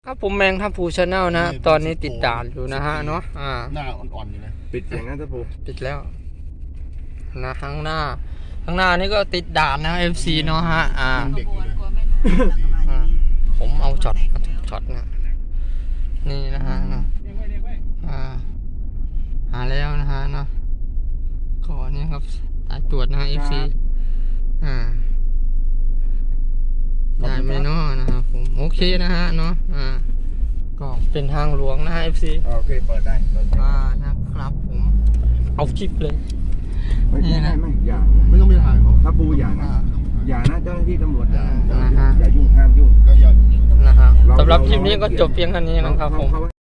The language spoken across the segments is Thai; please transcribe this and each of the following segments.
ครับผมแมงทัพภูชาแนลนะตอนนี้ติดด่านอยู่นะฮะเนาะหน้าอ่อนๆอยู่นะปิดอย่างนั้นทัพภูปิดแล้วนะข้างหน้านี่ก็ติดด่านนะ FC เนาะฮะเด็กอยู่เลยผมเอาช็อตนะนี่นะฮะเนาะหาแล้วนะฮะเนาะก่อนนี้ครับสายตรวจนะ FC ได้ไหมเนาะนะครับผมโอเคนะฮะเนาะก็เป็นทางหลวงนะฮะ FC โอเคเปิดได้นะครับผมเอาคลิปเลยไม่อย่าไม่ต้องไปถ่ายเขาทัพภูอย่านะเจ้าหน้าที่ตำรวจอย่ายุ่งห้ามยุ่งก็อย่านะฮะสำหรับคลิปนี้ก็จบเพียงเท่านี้นะครับผม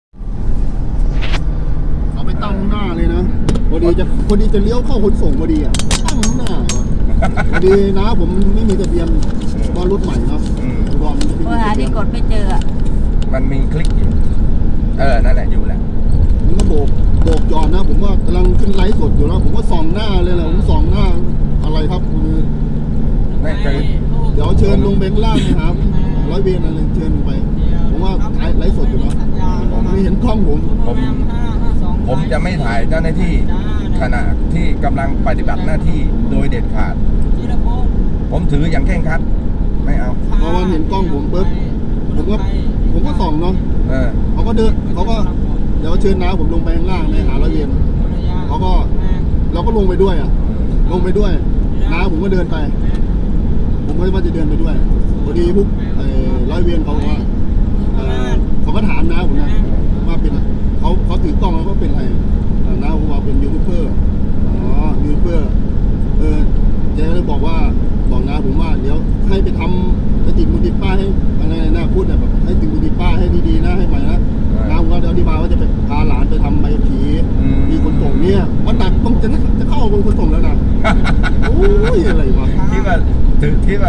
เอาไปตั้งหน้าเลยนะพอดีจะเลี้ยวเข้าขนส่งพอดีอ่ะตั้งหน้าพอดีนะผมไม่มีทะเบียนว่ารถใหม่เนาะรอมหาที่กดไม่เจอมันมีคลิกอยู่นั่นแหละอยู่แหละมันก็โบกจอดนะผมว่ากำลังขึ้นไลฟ์สดอยู่แล้วผมก็ส่องหน้าเลยแหละผมส่องหน้าอะไรครับคือเดี๋ยวเชิญลงเบงล่างนะครับร้อยเวรอะไรเชิญไปผมว่าถ่ายไลฟ์สดอยู่นะผมไม่เห็นกล้องผมจะไม่ถ่ายเจ้าหน้าที่ขณะที่กำลังปฏิบัติหน้าที่โดยเด็ดขาดผมถืออย่างเคร่งครัดไม่เอาพอวันเห็นกล้องผมปุ๊บผมก็ส่องเนาะเขาก็เดี๋ยวเชิญน้าผมลงไปข้างล่างในหาร้อยเวรเราก็ลงไปด้วยน้าผมก็เดินไปผมก็ว่าจะเดินไปด้วยพอดีพวกร้อยเวรเขาว่าเขาก็ถามน้าผมนะว่าเป็นเขาถือกล้องแล้วก็เป็นอะไรน้าผมว่าเป็นยูทูบเบอร์ยูทูบเบอร์เจ๊เลยบอกน้าผมว่าเดี๋ยวให้ไปติดมือติดป้ายให้อะไรนะพูดแบบให้ติดมือติดป้ายให้ดีๆนะให้ใหม่นะน้าผมก็เดี๋ยวอธิบายว่าจะไปพาหลานไปทำใบขับขี่มีคนส่งเนี่ยวันตัดต้องจะเข้าบนคนส่งแล้วนะโอ้ยอะไรวะที่ว่า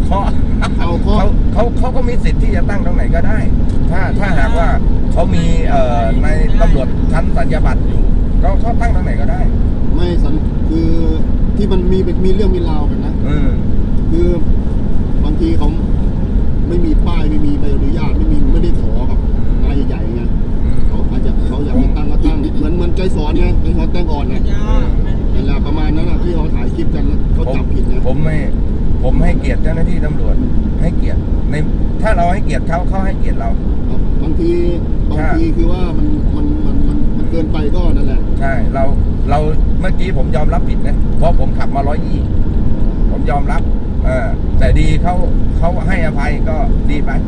เขาก็มีสิทธิ์ที่จะตั้งตรงไหนก็ได้ถ้าหากว่าเขามีในตำรวจชั้นสัญญาบัตรอยู่เขาตั้งตรงไหนก็ได้ไม่คือที่มันมีเรื่องมีราวกันนะคือบางทีเขาไม่มีป้ายไม่มีใบอนุญาตไม่ได้ขอกับนายใหญ่ๆไงเขาอยากตั้งก็ตั้งเหมือนใจสอนไงใจสอนแต่งอ่อนนะนั่นแหละประมาณนั้นนะที่เขาถ่ายคลิปกันเขาจับผิดนะผมให้เกียรติเจ้าหน้าที่ตำรวจให้เกียรติถ้าเราให้เกียรติเขาให้เกียรติเราบางทีคือว่ามันเกินไปก็นั่นแหละใช่เราเมื่อกี้ผมยอมรับผิดนะเพราะผมขับมา120ผมยอมรับแต่ดีเขาให้อภัยก็ดีไป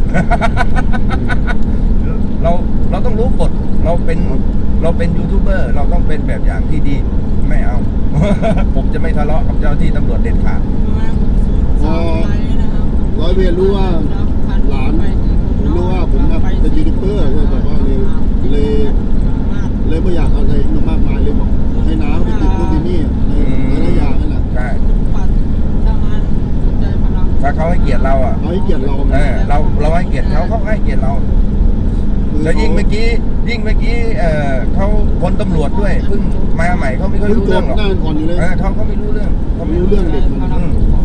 เราต้องรู้กฎเราเป็นยูทูบเบอร์เราต้องเป็นแบบอย่างที่ดีไม่เอา ผมจะไม่ทะเลาะกับเจ้าที่ตำรวจเด็ดขาดพอร้อยเวรรู้ว่าหลานรู้ว่าผมเป็นยูทูบเบอร์เลยแบบว่าเลยไม่อยากอะไรมากมายเลยบอกให้น้าไปติดพวกนี้ในระยะนั่นแหละใช่ถ้าเขาให้เกียรติเราเขาให้เกียรติเราเราให้เกียรติเขาให้เกียรติเราแล้วยิ่งเมื่อกี้เขาคนตำรวจด้วยเพิ่งมาใหม่เขาไม่ค่อยรู้เรื่องหรอกเขาไม่รู้เรื่องเด็กมัน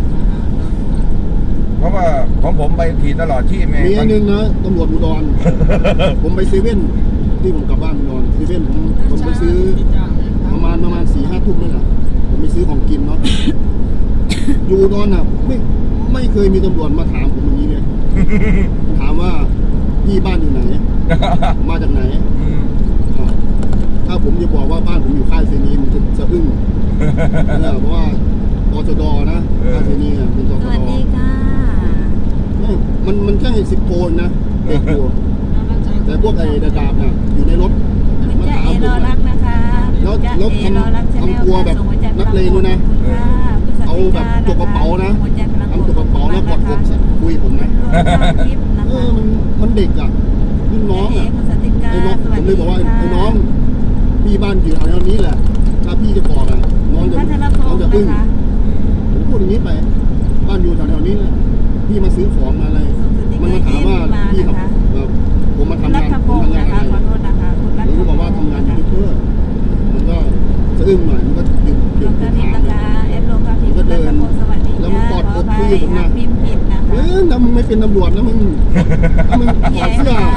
เพราะว่าของผมไปขี่ตลอดที่มีอันนึงนะตำรวจอุดรผมไปเซเว่นที่ผมกลับบ้านอุดรเซเว่นผมไปซื้อประมาณ 4-5 ทุ่มนี่แหละผมไปซื้อของกินเนาะอยู่อุดรน่ะไม่เคยมีตำรวจมาถามผมอย่างนี้เลยถามว่าพี่บ้านอยู่ไหนมาจากไหนถ้าผมจะบอกว่าบ้านผมอยู่ค่ายเซนีมันจะอึ้งเพราะว่าตชดนะค่ายเซนีเป็นตชดสวัสดีค่ะมันแค่10 โคนนะเด็กอยู่แต่พวกไอ้ดาบน่ะอยู่ในรถมาถามผมแล้วทำตัวแบบนักเลงเลยนะเอาแบบจกกระเป๋านะทำจกกระเป๋าแล้วกดคุยผมนะมันเด็กอ่ะรุ่นน้องอ่ะไอ้น้องผมเลยบอกว่าไอ้น้องพี่บ้านอยู่แถวนี้แหละถ้าพี่จะบอกอ่ะน้องจะอึ้งผมพูดอย่างนี้ไปบ้านอยู่แถวนี้แหละพี่มาซื้อของมาอะไรมันมาถามว่าพี่ครับผมมาทำงานอะไรผมก็บอกว่าทำงานยูทูบเบอร์มันก็สะอึ้งหน่อยมันก็หยุดถามมันก็เดินแล้วมันกอดอกพี่ผมนะแล้วมึงไม่เป็นตำรวจนะมึงถอดเสื้อ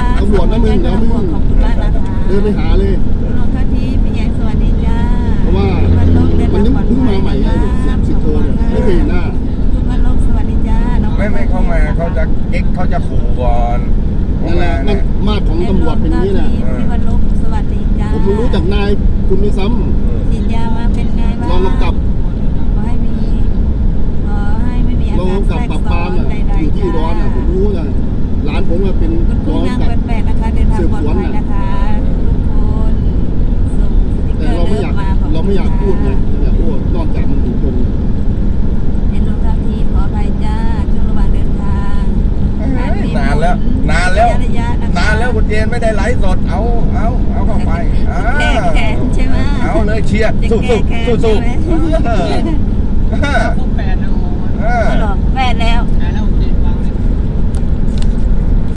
นไปหาเลยลงทันทีพี่แยงสวัสดีจ้าเพราะว่ามันเพิ่งมาใหม่ไงสิบโทเนี่ยไม่เคยเห็นหน้าทุกคนลงสวัสดีจ้าน้องไม่เข้ามาเขาจะเก๊กเขาจะขู่ก่อนนั่นแหละมาดของตำรวจเป็นอย่างนี้แหละพี่วันลบสวัสดีจ้าผมรู้จักนายคุณด้วยซ้ำฉีดยามาเป็นไงบ้างรองกำกับขอให้ไม่มีอารองการกำกับแทรปราบกปรามซ้อนอ่ะใดอยู่ๆที่อุดรอ่ะผมรู้ไงหลานผมเป็นคุณรผู้องนางกำกับแปดนะคะเดินทางปลอดภัยนะคะทุกคนส่งสติ๊กเกแต่อร์เราไม่เลิอยากฟมาขอบคุณเราไม่อยากพูดไงไม่อยากพูดนอกจากมันถูกคนเห็นลงทางทีขออภัยจ้าช่วงระหว่างเดินทางนานแล้วนานแล้วคุณเจนไม่ได้ไลฟ์สดเอาเข้าไปแก้แค้นใช่ไหมเอาเลยเชียร์สู้จะแก้แค้นสู้ใช่ไหมสู้ครบ8 นะโอ้เอาหรอแปดแล้ว 8 แล้ว